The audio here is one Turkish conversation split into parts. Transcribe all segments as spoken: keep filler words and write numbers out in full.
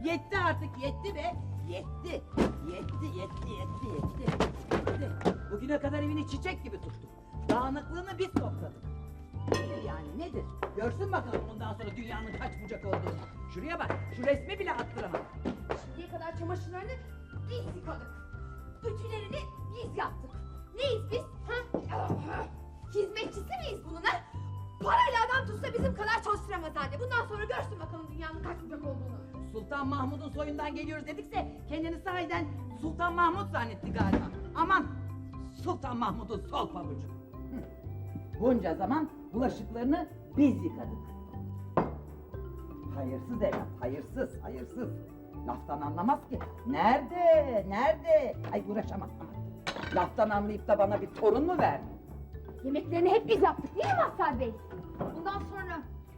Yetti artık, yetti be. Yetti. Yetti, yetti, yetti, yetti. Yetti. Bugüne kadar evini çiçek gibi tuttuk. Dağınıklığını biz topladık. Nedir yani, nedir? Görsün bakalım bundan sonra dünyanın kaç bucak olduğunu. Şuraya bak, şu resmi bile attıramadım. Şimdiye kadar çamaşırlarını biz yıkadık. Ütülerini biz yaptık. Neyiz biz? Ha? Hizmetçisi miyiz bunun ha? Parayla adam tutsa bizim kadar çalıştıramaz anne. Bundan sonra görsün bakalım dünyanın kaç bucak olduğunu. Sultan Mahmud'un soyundan geliyoruz dedikse kendini sahiden Sultan Mahmud zannetti galiba. Aman Sultan Mahmud'un sol pabucu. Hı. Bunca zaman bulaşıklarını biz yıkadık. Hayırsız evlat, hayırsız, hayırsız. Laftan anlamaz ki. Nerede, nerede? Ay uğraşamam. Aman. Laftan anlayıp da bana bir torun mu verdi? Yemeklerini hep biz yaptık değil mi Mazhar Bey? Bundan sonra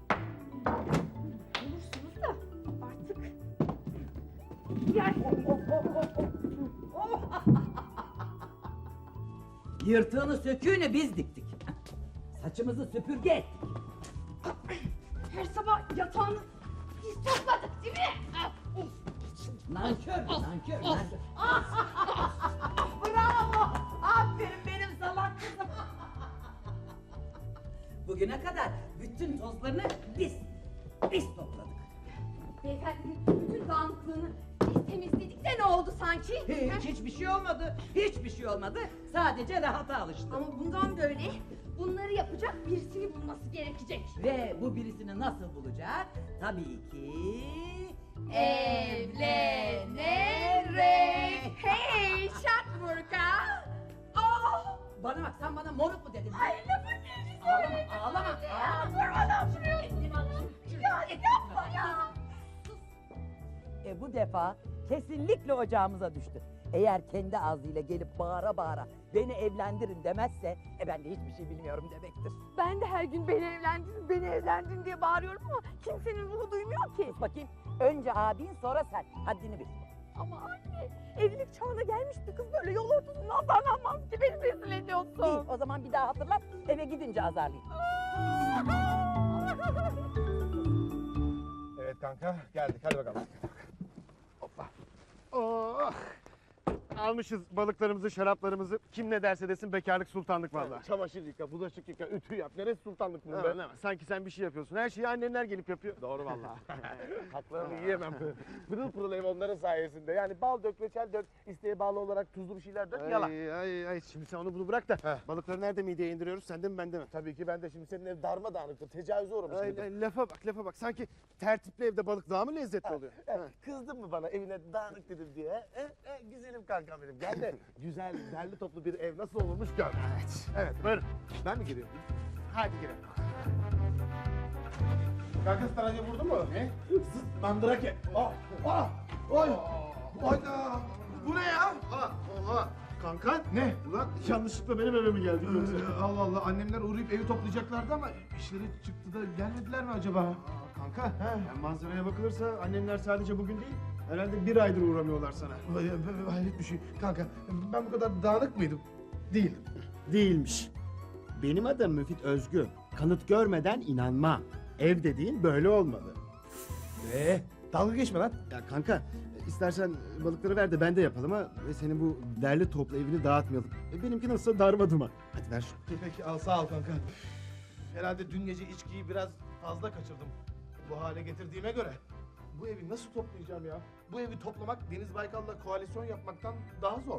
olursunuz da artık yersiniz. Yırtığını söküğünü biz diktik. Saçımızı süpürge ettik. Her sabah yatağını biz topladık değil mi? Nankör, nankör, nankör. Bravo! Aferin benim salak kızım. Bugüne kadar bütün tozlarını biz, biz topladık. Beyefendinin bütün dağınıklığını biz temizledik de ne oldu sanki? Hiç, hiçbir şey olmadı, hiçbir şey olmadı. Sadece rahata alıştım. Ama bundan böyle bunları yapacak birisini bulması gerekecek. Ve bu birisini nasıl bulacak? Tabii ki... Evlenerek. Hey Şatmurka. Oh. Bana bak, sen bana moruk mu dedin? Ay lafın gelişi Ağlama, söyledim. ağlama, Ya ağlama. durmadan vuruyorsun bana. Ya yapma ya. E bu defa kesinlikle ocağımıza düştü. Eğer kendi ağzıyla gelip bağıra bağıra beni evlendirin demezse e ben de hiçbir şey bilmiyorum demektir. Ben de her gün beni evlendirin, beni evlendirin diye bağırıyorum ama kimsenin ruhu duymuyor ki. Sus bakayım. Önce abin sonra sen. Haddini bil. Ama anne, evlilik çağına gelmiş bir kız böyle yol ortasından davranmaz ki beni rezil ediyorsun. İyi, o zaman bir daha hatırlat. Eve gidince azarlayayım. Evet kanka geldik hadi bakalım. Hoppa. Oh. Almışız balıklarımızı, şaraplarımızı. Kim ne derse desin bekarlık sultanlık vallahi. Çamaşır yıka, bulaşık yıka, ütü yap. Neresi sultanlık bunun Ha, be? ne var? Sanki sen bir şey yapıyorsun. Her şeyi annenler gelip yapıyor. Doğru vallahi. Haklarını yiyemem. Pırıl pırıl ev onların sayesinde. Yani bal dök, reçel dök, isteğe bağlı olarak tuzlu bir şeyler dök, yalan. Ay, ay, ay. Şimdi sen onu bunu bırak da. Heh. Balıkları nerede mideye indiriyoruz? Sende mi bende mi? Tabii ki ben de şimdi senin ev darmadağınıktır, tecavüze uğramış Ay, gibi. ay, lafa bak, lafa bak. Sanki tertipli evde balık daha mı lezzetli oluyor? Eh, Ha. Kızdın mı bana evine dağınık dedim diye? Eh, eh, güzelim kankam benim. Gel de güzel, derli toplu bir ev nasıl olurmuş gör. Evet. Evet, buyurun. Ben mi giriyorum? Hadi girelim. Kanka staracı vurdu mu? Ne? Zıt mandrake. Ah, ah, oy. Oyda. Bu ne ya? Oha, oha. Kanka. Ne? Ulan yanlışlıkla benim eve mi geldin yoksa? Ee, Allah Allah, annemler uğrayıp evi toplayacaklardı ama işleri çıktı da gelmediler mi acaba? Aa, kanka, yani manzaraya bakılırsa annemler sadece bugün değil, herhalde bir aydır uğramıyorlar sana. Vay, vay, hayret bir şey. Kanka, ben bu kadar dağınık mıydım? Değildim. Değilmiş. Benim adım Müfit Özgü. Kanıt görmeden inanma. Ev dediğin böyle olmalı. Ee, dalga geçme lan. Ya kanka, istersen balıkları ver de ben de yapalım ha. Ve senin bu derli toplu evini dağıtmayalım. E, benimki nasılsa darma duman. Hadi ver şunu. Peki al, sağ ol kanka. Herhalde dün gece içkiyi biraz fazla kaçırdım. Bu hale getirdiğime göre. Bu evi nasıl toplayacağım ya? Bu evi toplamak Deniz Baykal'la koalisyon yapmaktan daha zor.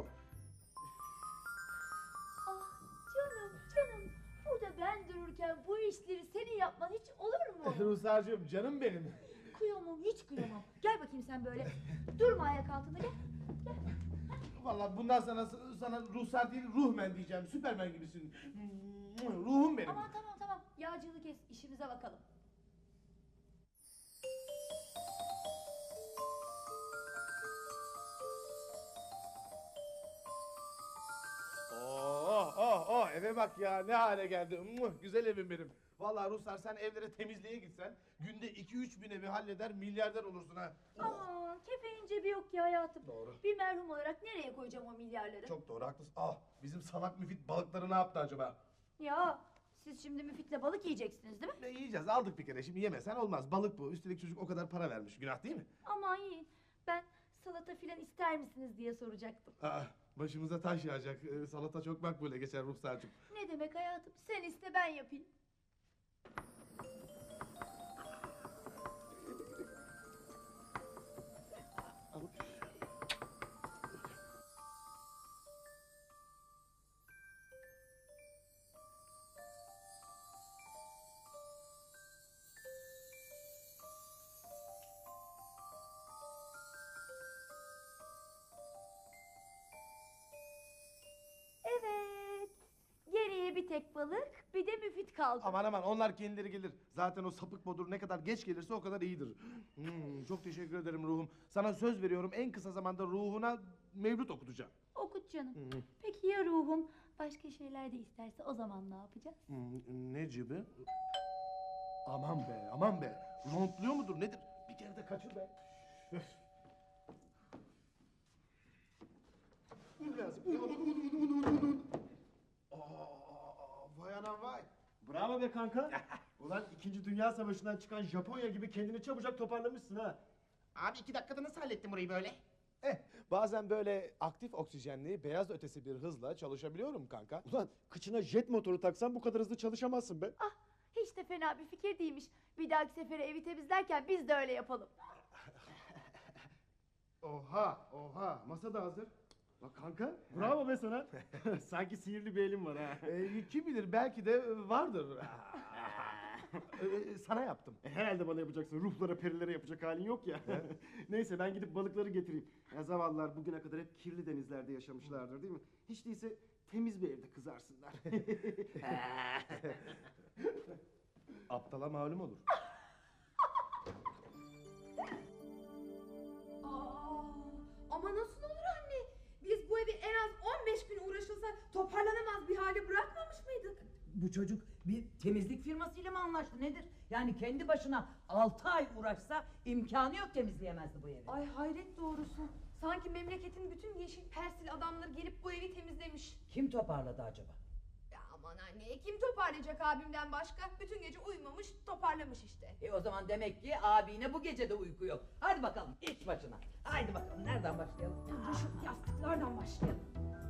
Ah canım canım. Burada ben dururken bu işleri senin yapman hiç olur mu? Ruhsarcığım, canım benim. Kıyamam hiç kıyamam. Gel bakayım sen böyle. Durma ayak altında gel. Vallahi bundan sana sana ruhsar değil, ruhmen diyeceğim. Süpermen gibisin. Ruhum benim. Aman tamam tamam. Yağcılığı kes işimize bakalım. Oh oh oh, eve bak ya, ne hale geldi. Muh, güzel evim benim. Vallahi Ruslar, sen evlere temizliğe gitsen günde iki üç bin evi halleder, milyarder olursun ha. Aman kefenin cebi yok ki hayatım. Doğru. Bir merhum olarak nereye koyacağım o milyarları? Çok doğru, haklısın. Ah, bizim salak müfit balıkları ne yaptı acaba? Ya Siz şimdi Müfit'le balık yiyeceksiniz değil mi? Ne yiyeceğiz? Aldık bir kere. Şimdi yemesen olmaz. Balık bu. Üstelik çocuk o kadar para vermiş. Günah değil mi? Aman yiyin. Ben salata filan ister misiniz diye soracaktım. Aa, başımıza taş yağacak. Ee, salata çok makbule geçer Ruhsar'cığım. Ne demek hayatım? Sen iste ben yapayım. Evet. Geriye bir tek balık, bir de Müfit kaldı. Aman aman onlar kendileri gelir. Zaten o sapık bodur ne kadar geç gelirse o kadar iyidir. Hmm, çok teşekkür ederim ruhum. Sana söz veriyorum en kısa zamanda ruhuna mevlüt okutacağım. Okut canım. Hmm, Peki ya ruhum başka şeyler de isterse o zaman ne yapacağız? hmm, ne gibi? Aman be aman be. Rontluyor mudur nedir? Bir kere de kaçır be. Öf. Un lazım. Un, un, un, un, un, un. Aa, vay anam vay. Bravo be kanka. Ulan İkinci Dünya Savaşı'ndan çıkan Japonya gibi kendini çabucak toparlamışsın ha. Abi iki dakikada nasıl hallettin burayı böyle? Eh, bazen böyle aktif oksijenli, beyaz ötesi bir hızla çalışabiliyorum kanka. Ulan kıçına jet motoru taksan bu kadar hızlı çalışamazsın be. Ah, hiç de fena bir fikir değilmiş. Bir dahaki sefere evi temizlerken biz de öyle yapalım. Oha, oha. Masa da hazır. Bak kanka bravo be sana. Sanki sihirli bir elin var ha. Ee, kim bilir belki de vardır. Ee, sana yaptım. E, herhalde bana yapacaksın. Ruhlara perilere yapacak halin yok ya. Neyse ben gidip balıkları getireyim. Ya zavallılar bugüne kadar hep kirli denizlerde yaşamışlardır değil mi? Hiç değilse temiz bir evde kızarsınlar. Aptala malum olur. Aa, ama nasıl olur anne? Biz bu evi en az on beş gün uğraşılsa toparlanamaz bir hale bırakmamış mıydık? Bu çocuk bir temizlik firmasıyla mı anlaştı nedir? Yani kendi başına altı ay uğraşsa imkanı yok temizleyemezdi bu evi. Ay hayret doğrusu. Sanki memleketin bütün yeşil persil adamları gelip bu evi temizlemiş. Kim toparladı acaba? Ya aman anne, kim toparlayacak abimden başka? Bütün gece uyumamış, toparlamış işte. E o zaman demek ki abine bu gece de uyku yok. Hadi bakalım iş başına. Haydi bakalım nereden başlayalım? Önce şu yastıklardan başlayalım.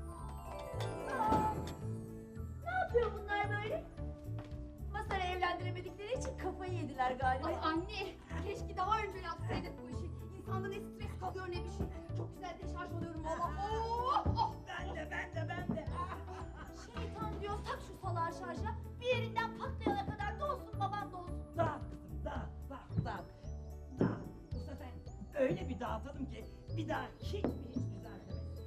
Aa, ne yapıyor bunlar böyle? Masar'ı evlendiremedikleri için kafayı yediler galiba. Ay anne, keşke daha önce yapsaydık bu işi. İnsanda ne stres kalıyor ne bir şey. Çok güzel deşarj oluyorum valla. Oh, oh. Ben de ben de ben de. Şeytan diyor tak şu salağı şarja. Bir yerinden patlayana kadar dolsun babam dolsun. Dağıt kızım dağıt dağıt dağıt. Dağıt. Bu sefer öyle bir dağıtalım ki bir daha hiç mi hiç düzeltemeyiz.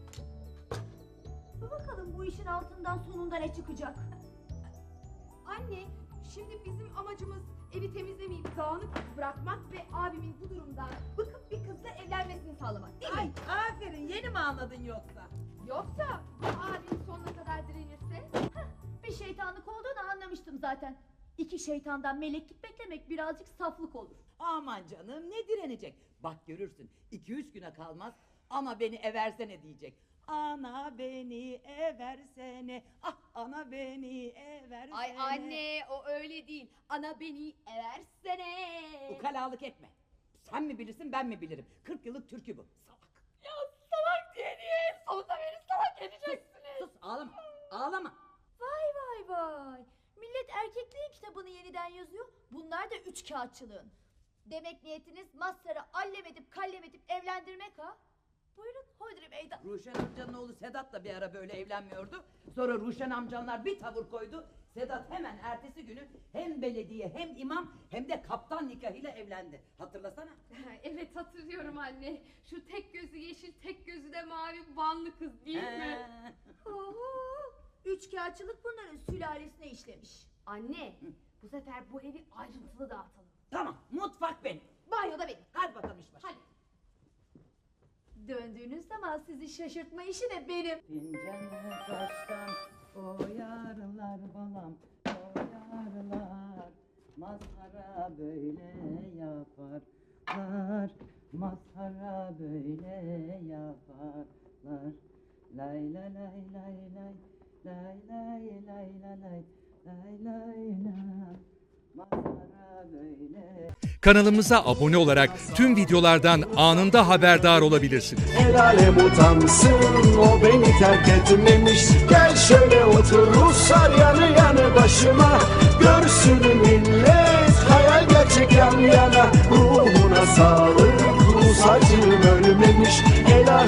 Dur bakalım bu işin altından sonunda ne çıkacak? Anne, şimdi bizim amacımız evi temizlemeyip dağınık bırakmak ve abimin bu durumdan bıkıp bir kızla evlenmesini sağlamak değil mi? Ay aferin yeni mi anladın yoksa? Yoksa bu abim sonuna kadar direnirse? Hah, bir şeytanlık olduğunu anlamıştım zaten. İki şeytandan meleklik beklemek birazcık saflık olur. Aman canım ne direnecek? Bak görürsün iki üç güne kalmaz ana beni eversene diyecek. Ana beni eversene, ah ana beni eversene. Ay anne, o öyle değil. Ana beni eversene. Ukalalık etme. Sen mi bilirsin ben mi bilirim? Kırk yıllık türkü bu. Salak. Ya salak diye niye? Sonunda beni salak edeceksiniz. Sus ağlama ağlama. Vay vay vay. Millet erkekliğin kitabını yeniden yazıyor. Bunlar da üç kağıtçılığın. Demek niyetiniz Mazhar'ı allem edip kallem edip evlendirmek ha? Buyurun Hodri meydan. Ruşen amcanın oğlu Sedat da bir ara böyle evlenmiyordu. Sonra Ruşen amcanlar bir tavır koydu. Sedat hemen ertesi günü hem belediye hem imam hem de kaptan nikahıyla evlendi. Hatırlasana. Evet hatırlıyorum anne. Şu tek gözü yeşil, tek gözü de mavi Vanlı kız değil mi? Ee, Oho! Üç kağıtçılık bunların sülalesine işlemiş. Anne, bu sefer bu evi ayrıntılı dağıtalım. Tamam mutfak benim. Banyoda benim. Hadi bakalım iş başına. Hadi. Döndüğünüz zaman sizi şaşırtma işi de benim. Fincanı taştan oyarlar balam, oyarlar. Mazhara böyle yaparlar, mazhara böyle yaparlar. Lay lay lay lay lay, lay lay lay lay lay, lay lay la. Mazhara böyle. Kanalımıza abone olarak tüm videolardan anında haberdar olabilirsiniz. El alem utansın, o beni terk etmemiş. Gel şöyle otur Ruslar yanı yanı başıma. Görsün millet, hayal gerçek yan yana. Ruhuna sağlık, Rus acım ölmemiş. El alem